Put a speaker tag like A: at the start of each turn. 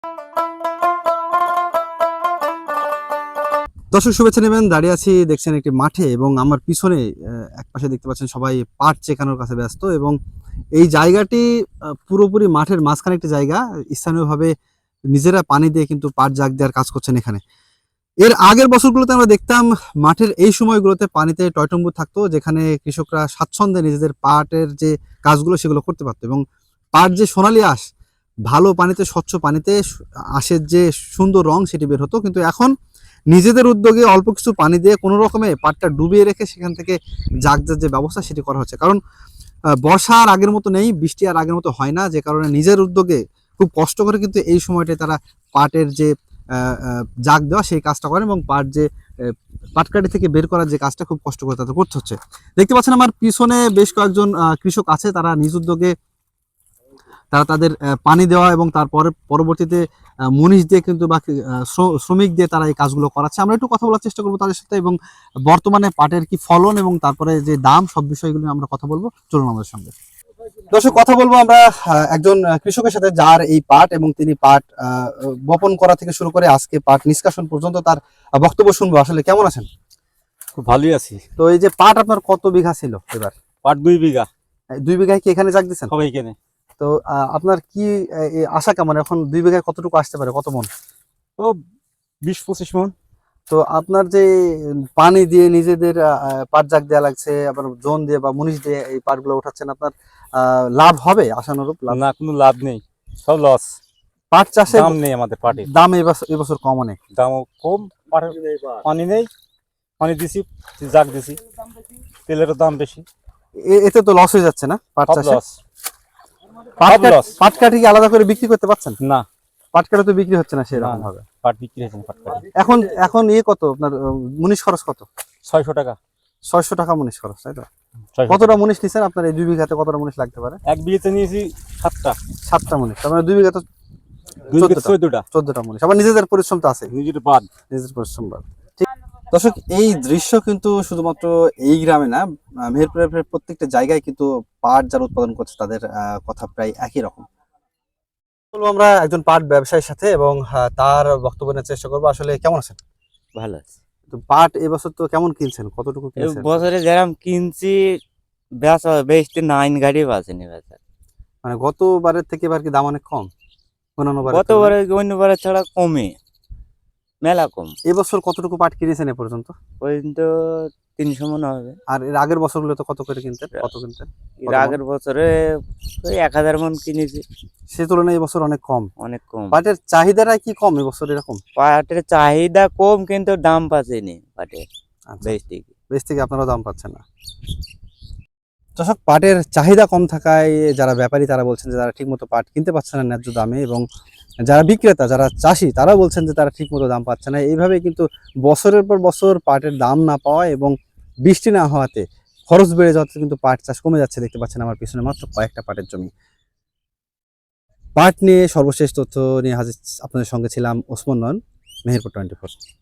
A: দর্শক শুভেচ্ছা নেবেন। দাঁড়িয়ে আছি দেখছেন একটি মাঠে এবং আমার পিছনে একপাশে দেখতে পাচ্ছেন সবাই পাট চেকানোর কাছে ব্যস্ত এবং এই জায়গাটি পুরোপুরি মাঠের মাঝখানে একটি জায়গা। স্থানীয়ভাবে নিজেরা পানি দিয়ে কিন্তু পাট জাগ দেওয়ার কাজ করছেন এখানে। এর আগের বছরগুলোতে আমরা দেখতাম মাঠের এই সময়গুলোতে পানিতে টয়টম্বুর থাকতো, যেখানে কৃষকরা স্বাচ্ছন্দ্যে নিজেদের পাটের যে কাজগুলো সেগুলো করতে পারতো এবং পাট যে সোনালী আঁশ, ভালো পানিতে স্বচ্ছ পানিতে আঁশের যে সুন্দর রং সেটি বের হতো। কিন্তু এখন নিজেদের উদ্যোগে অল্প কিছু পানি দিয়ে কোনো রকমে পাটটা ডুবিয়ে রেখে সেখান থেকে জাগ যে ব্যবস্থা সেটি করা হচ্ছে। কারণ বর্ষা আর আগের মতো নেই, বৃষ্টি আর আগের মতো হয় না, যে কারণে নিজের উদ্যোগে খুব কষ্ট করে কিন্তু এই সময়টায় তারা পাটের যে জাগ দেওয়া সেই কাজটা করেন এবং পাট যে পাটকাঠি থেকে বের করার যে কাজটা খুব কষ্ট করে তাদের করতে হচ্ছে। দেখতে পাচ্ছেন আমার পিছনে বেশ কয়েকজন কৃষক আছে, তারা নিজ উদ্যোগে তারা তাদের পানি দেওয়া এবং তারপরে পরবর্তীতে মুনিশ দিয়ে কিন্তু বা শ্রমিক দিয়ে তারা এই কাজগুলো করাচ্ছে। আমরা একটু কথা বলার চেষ্টা করবো তাদের সাথে এবং বর্তমানে পাটের কি ফলন এবং তারপরে যে দাম, সব বিষয়গুলো আমরা কথা বলবো। চলুন আমাদের সঙ্গে। দর্শক, কথা বলবো আমরা একজন কৃষকের সাথে যার এই পাট এবং তিনি পাট বপন করা থেকে শুরু করে আজকে পাট নিষ্কাশন পর্যন্ত তার বক্তব্য শুনবো। আসলে কেমন আছেন?
B: খুব ভালোই আছি।
A: তো এই যে পাট আপনার কত বিঘা ছিল এবার?
B: পাট 2 বিঘা।
A: 2 বিঘায় কি এখানে জাগ দিচ্ছেন?
B: সবাই কেনে।
A: তো আপনার কি আশা কেমন এখন 2 বিঘায় কতটুকু আসতে পারে, কত মন?
B: ও 20-25 মন।
A: তো আপনার যে পানি দিয়ে নিজেদের পাট জাগ দেওয়া লাগছে, আবার জোন দিয়ে বা মুনিশ দিয়ে এই পাটগুলো উঠাচ্ছেন, আপনার লাভ হবে আশানুরূপ?
B: না, কোনো লাভ নেই, সব লস।
A: পাট চাষে
B: দাম নেই আমাদের পাটের।
A: দাম এবছর কম অনেক।
B: দাম কম, পানি নেই। পানি দিছি, জাগ দিছি, তেলের দাম বেশি।
A: এতে তো লস হয়ে যাচ্ছে না পাট চাষে?
B: লস। লস।
A: পাট কাঠি কি আলাদা করে বিক্রি করতে পারছেন?
B: না,
A: পাট কাঠি তো বিক্রি হচ্ছে না সেরকম ভাবে।
B: পাট বিক্রি হয়েছে না। পাট কাটি
A: এখন এখন কত আপনার মুনিশ খরচ কত?
B: 600 টাকা।
A: 600 টাকা মুনিশ খরচ, তাই তো?
B: 600
A: কতটা মুনিশ নিছেন আপনার এই 2 বিঘাতে? কতটা মুনিশ লাগতে পারে?
B: 1 বিঘাতে নিয়েছি
A: 7টা মুনিশ। তার মানে 2 বিঘাতে 14টা মুনিশ। আবার নিজেদের পরিশ্রম তো আছে,
B: নিজের বাদ,
A: নিজের পরিশ্রম বাদ। ঠিক। দর্শক, এই দৃশ্য কিন্তু শুধুমাত্র এই গ্রামে না, মেহেরপুরের প্রত্যেকটা জায়গায় কিন্তু পাট যারা উৎপাদন করছে তাদের কথা প্রায় একই রকম। বলবো আমরা একজন পাট ব্যবসায়ীর সাথে এবং তার বক্তব্য নেওয়ার চেষ্টা করবো। আসলে কেমন আছেন?
C: ভালো আছে।
A: তো পাট এবছর তো কেমন কিনছেন, কতটুকু কিনছেন?
C: বছরে যেরকম কিনছি বেচতে 9 গাড়ি বাজেনি বেচা।
A: মানে গতবারের থেকে এবার কি দাম অনেক কম?
C: গতবারে অন্যবারে ছাড়া কমে, মেলা কম।
A: এবছর কতটুকু পাট কিনেছেন এ পর্যন্ত?
C: পর্যন্ত 300 মন হবে।
A: আর এর আগের বছরগুলো তো কত করে কিনতেন, কত কিনতেন?
C: এর আগের বছরে ওই 1000 মন কিনেছি।
A: সে তুলনায় এবছর অনেক কম।
C: অনেক কম।
A: পাটের চাহিদাটা কি কম এবছর এরকম?
C: পাটের চাহিদা কম, কিন্তু দাম পাচ্ছেনি পাটের।
A: বেশ থেকে আপনারা দাম পাচ্ছেন না। দর্শক, পাটের চাহিদা কম থাকায় যারা ব্যাপারী তারা বলছেন যে তারা ঠিকমতো পাট কিনতে পারছে না ন্যায্য দামে, এবং যারা বিক্রেতা, যারা চাষি, তারা বলছেন যে তারা ঠিকমতো দাম পাচ্ছে না। এইভাবে কিন্তু বছরের পর বছর পাটের দাম না পাওয়া এবং বৃষ্টি না হওয়াতে খরচ বেড়ে যাওয়াতে কিন্তু পাট চাষ কমে যাচ্ছে। দেখতে পাচ্ছেন আমার পিছনে মাত্র কয়েকটা পাটের জমি। পাট নিয়ে সর্বশেষ তথ্য নিয়ে হাজির আপনাদের সঙ্গে ছিলাম ওসমান নয়ন, মেহেরপুর 24।